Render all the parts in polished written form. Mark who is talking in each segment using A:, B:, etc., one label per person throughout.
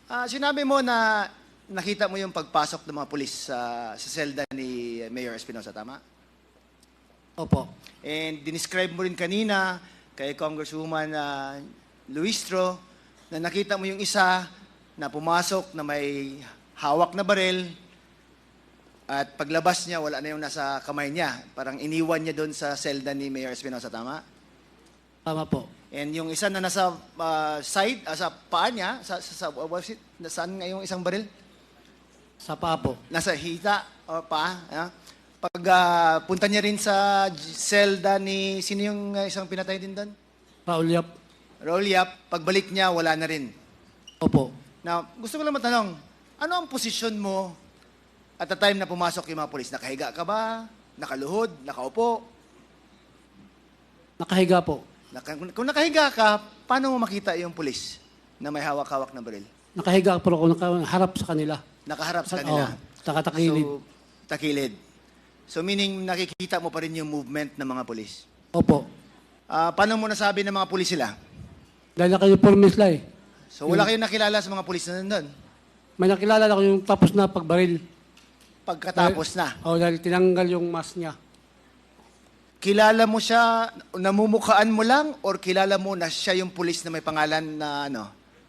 A: Sinabi mo na nakita mo yung pagpasok ng mga pulis sa selda ni Mayor Espinosa, tama?
B: Opo.
A: And dinescribe mo rin kanina kay Congresswoman Luistro na nakita mo yung isa na pumasok na may hawak na barel at paglabas niya, wala na yung nasa kamay niya. Parang iniwan niya doon sa selda ni Mayor Espinosa, tama?
B: Tama po.
A: And yung isa na nasa side, sa paa niya, saan nga yung isang baril?
B: Sa paa po.
A: Nasa hita o paa. Pag punta niya rin sa selda ni, sino yung isang pinatay din doon?
B: Raul Yap.
A: Raul Yap, pagbalik niya, wala na rin.
B: Opo.
A: Now, gusto ko lang matanong, ano ang posisyon mo at the time na pumasok yung mga polis? Nakahiga ka ba? Nakaluhod? Nakaupo?
B: Nakahiga po.
A: Kung nakahiga ka, paano mo makita yung pulis na may hawak-hawak na baril?
B: Nakahiga po ako, nakaharap sa kanila.
A: Nakaharap sa kanila.
B: Nakatakilid.
A: So, takilid. So, meaning nakikita mo pa rin yung movement ng mga pulis.
B: Opo.
A: Paano mo nasabi ng mga pulis sila?
B: Dahil naka-uniforme sila eh.
A: So, wala kayong nakilala sa mga pulis na nandun?
B: May nakilala ko yung tapos na pagbaril.
A: Pagkatapos na.
B: Dahil tinanggal yung mask niya.
A: Kilala mo siya, namumukhaan mo lang, or kilala mo na siya yung pulis na may pangalan na ano?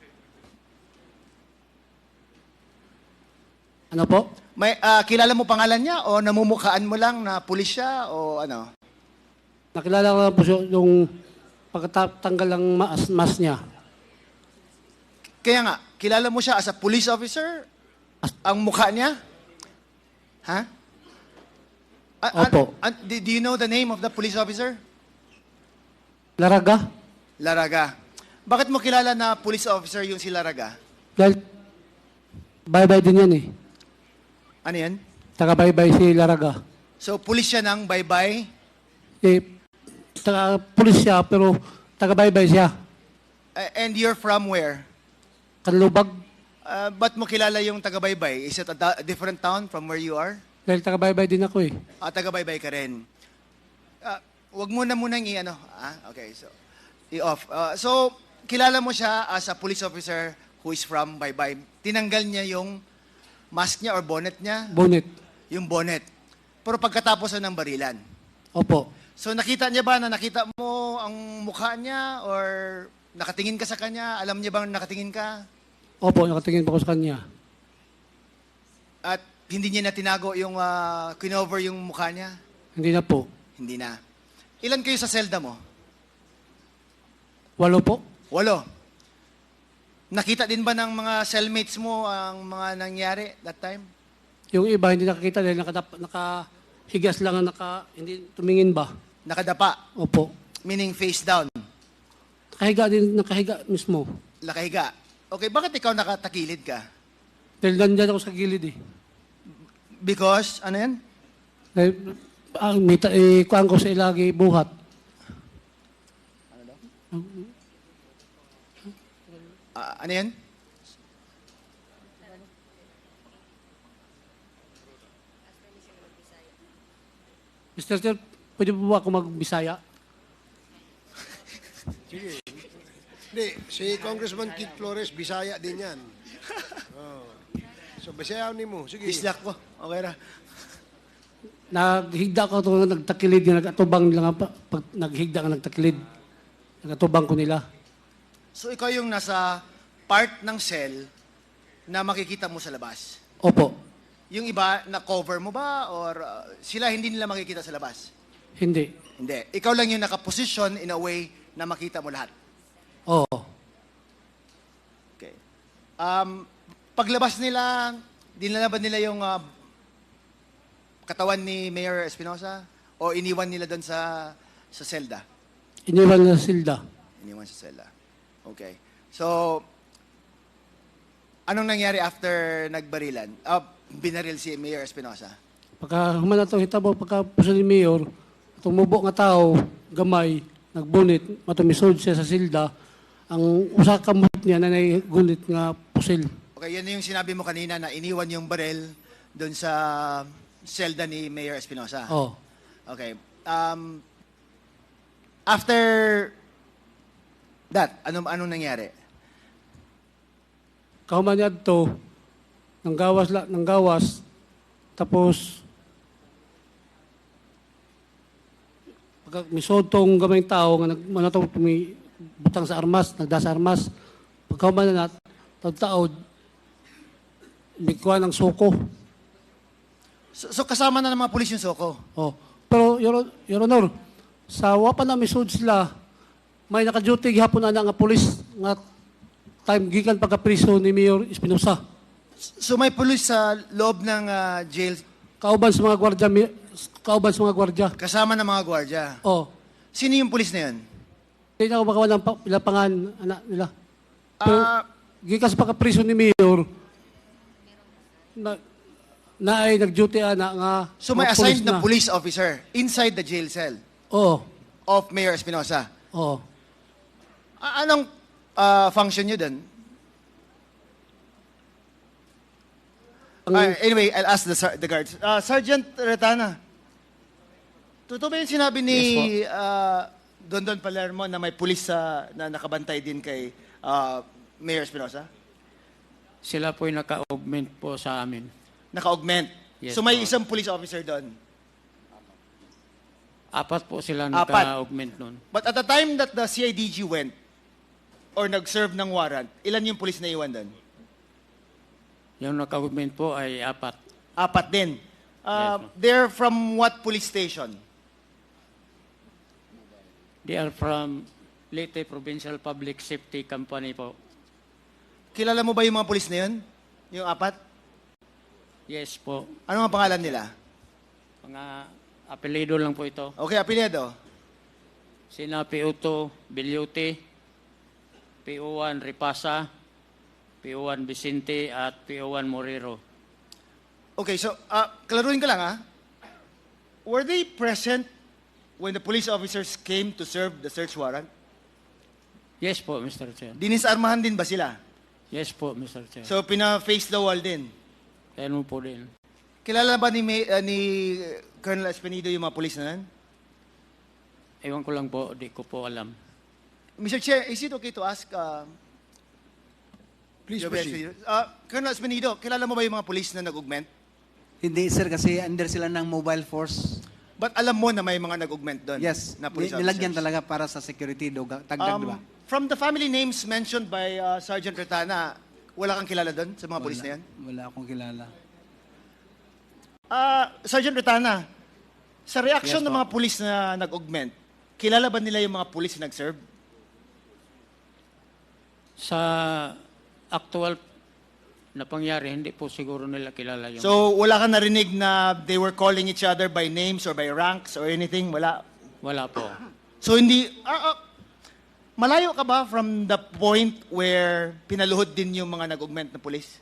B: Ano po?
A: Kilala mo pangalan niya o namumukhaan mo lang na pulis siya o ano?
B: Nakilala ko lang po yung pagkatanggal ng mask niya.
A: Kaya nga, kilala mo siya as a police officer? Ang mukha niya? Ha?
B: Opo.
A: Do you know the name of the police officer?
B: Laraga?
A: Laraga. Bakit mo kilala na police officer yung si Laraga?
B: Dahil bye-bye din yan eh.
A: Ano yan?
B: Taga-bye-bye si Laraga.
A: So, police siya ng bye-bye?
B: Taga-police siya pero taga-bye-bye siya.
A: And you're from where?
B: Kanlubag.
A: Ba't mo kilala yung taga-bye-bye? Is it a different town from where you are?
B: Dahil taga-bye-bye din ako eh.
A: Taga-bye-bye ka rin. Wag mo na munang i-ano. Okay, so, i-off. So, kilala mo siya as a police officer who is from bye-bye. Tinanggal niya yung mask niya or bonnet niya?
B: Bonnet.
A: Yung bonnet. Pero pagkatapos ng barilan.
B: Opo.
A: So, nakita niya ba na nakita mo ang mukha niya or nakatingin ka sa kanya? Alam niya bang nakatingin ka?
B: Opo, nakatingin pa ko sa kanya.
A: At hindi niya na tinago yung kinover yung mukha niya?
B: Hindi na po.
A: Hindi na. Ilan kayo sa selda mo?
B: 8 po.
A: 8. Nakita din ba ng mga cellmates mo ang mga nangyari that time?
B: Yung iba hindi nakakita dahil nakahigas lang, hindi tumingin ba?
A: Nakadapa?
B: Opo.
A: Meaning face down?
B: Nakahiga mismo.
A: Nakahiga? Okay, bakit ikaw nakatakilid ka?
B: Dahil nandyan ako sa gilid eh.
A: Because, ano yan?
B: Dahil, kuhaan ko sa ilagi buhat.
A: Ano daw? Ano yan?
B: Mr. Chair, pwede po ba ako mag-Bisaya?
C: Sige. Hindi, si Congressman Kit Flores, Bisaya din yan. Oh. So, Bisaya ni mo. Sige.
A: Dislak ko. Okay na.
B: Naghigda ko ito, nagtakilid, nagatubang nila nga, pag naghigda ka nagtakilid, nagatubang ko nila.
A: So, ikaw yung nasa part ng cell na makikita mo sa labas?
B: Opo.
A: Yung iba, na-cover mo ba? Or sila hindi nila makikita sa labas?
B: Hindi.
A: Hindi. Ikaw lang yung nakaposition in a way na makita mo lahat?
B: Oo.
A: Okay. Paglabas nila, dinala ba nila yung katawan ni Mayor Espinosa? O iniwan nila doon sa selda?
B: Iniwan na silda.
A: Iniwan sa selda. Okay. So, anong nangyari after nagbarilan? Binaril si Mayor Espinosa?
B: Pagka humana ito, hitabo, pagka puso ni Mayor, tumubo nga tao, gamay, nagbunit, matumisod siya sa silda, ang usa kamot niya na naigunit nga pusil.
A: Okay, yan yung sinabi mo kanina na iniwan yung baril doon sa selda ni Mayor Espinosa.
B: Oo.
A: Okay. After that, anong nangyari?
B: kahuman niya to, nang gawas, tapos, pagka misod tong gamayng tao, nga butang sa armas, nagda sa armas, pagkahuman na tagtaod, bikuha ng suko.
A: So kasama na ng mga pulis yung Soko.
B: Oh. Pero, Your Honor, sa wapa na misod sila, may naka-duty gihapon na nga pulis nga time gikan pagka-priso ni Mayor Espinosa.
A: So may pulis sa loob ng jail
B: Kauban sa mga gwardya.
A: kasama ng mga gwardiya.
B: Oh.
A: Sino yung pulis na yun?
B: Hindi na ako makawa ng lapangan anak nila. Pero,
A: Ah,
B: gikan sa pagka-priso ni Mayor, na ay nag-duty nga
A: so may
B: mga
A: assigned
B: pulis
A: na police officer inside the jail cell
B: Oo.
A: of Mayor Espinosa.
B: Oo.
A: Anong function nyo dun? Anyway, I'll ask the guards. Sergeant Retana, totoo ba yung sinabi ni Dondon Palermo na may pulis na nakabantay din kay Mayor Espinosa?
D: Sila po'y naka-augment po sa amin.
A: Naka-augment.
D: Yes,
A: So may
D: po.
A: isang police officer doon.
D: 4 po sila
A: Apat.
D: naka-augment nun.
A: But at the time that the CIDG went or nag-serve ng warrant, ilan yung police na iwan doon?
D: Yung naka-augment po ay 4.
A: 4 din.
D: ma'am.
A: They're from what police station?
D: They are from Leyte Provincial Public Safety Company po.
A: Kilala mo ba yung mga police na yun? Yung 4?
D: Yes po.
A: Ano ang pangalan nila?
D: Mga apelido lang po ito.
A: Okay, apelyido.
D: Sina P.O. Bilyute, P.O.1 Ripasa, P.O.1 Vicente, at P.O.1 Morero.
A: Okay, so klaruhin ko lang Were they present when the police officers came to serve the search warrant?
D: Yes po, Mr. Chair.
A: Dinisarmahan din ba sila?
D: Yes po, Mr. Chair.
A: So pina-face the wall din.
D: Ano po din.
A: Kilala ba ni Colonel Espinido yung mga police na yan?
D: Ewan ko lang po, di ko po alam.
A: Mr. Chair, is it okay to ask
C: Please
A: Your
C: proceed.
A: Colonel Espinido, kilala mo ba yung mga police na nag-augment?
E: Hindi sir, kasi under sila ng mobile force.
A: But alam mo na may mga nag-augment doon?
E: Yes,
A: Na police
E: nilagyan
A: officers?
E: talaga para sa security, tagdag, di ba?
A: From the family names mentioned by Sergeant Retana, wala kang kilala doon sa mga police na yan?
E: Wala akong kilala.
A: Sergeant Retana, sa reaction
D: Yes,
A: ng
D: po.
A: mga police na nag-augment, kilala ba nila yung mga police na nag-serve?
D: Sa actual na pangyari, hindi po siguro nila kilala yung...
A: So, wala kang narinig na they were calling each other by names or by ranks or anything? Wala?
D: Wala po.
A: So, hindi... malayo ka ba from the point where pinaluhod din yung mga nag-augment na police?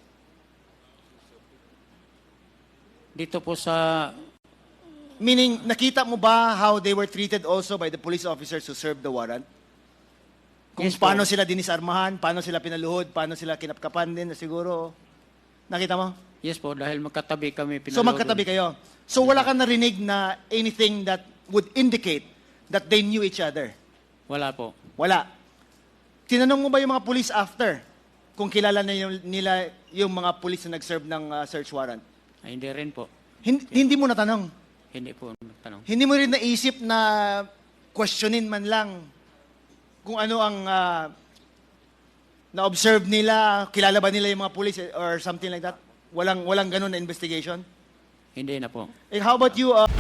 D: Dito po sa...
A: Meaning, nakita mo ba how they were treated also by the police officers who served the warrant? Kung
D: Yes po.
A: paano sila dinisarmahan, paano sila pinaluhod, paano sila kinapkapan din, siguro. Nakita mo?
D: Yes po, dahil magkatabi kami.
A: So magkatabi kayo. So wala kang narinig na anything that would indicate that they knew each other?
D: Wala po.
A: Wala. Tinanong mo ba yung mga police after kung kilala na nila yung mga police na nag-serve ng search warrant?
D: Ay, hindi rin po.
A: Hindi mo natanong.
D: Hindi po nagtanong.
A: Hindi mo rin naisip na questionin man lang kung ano ang na-observe nila, kilala ba nila yung mga police or something like that? Walang ganun na investigation?
D: Hindi na po.
A: How about you,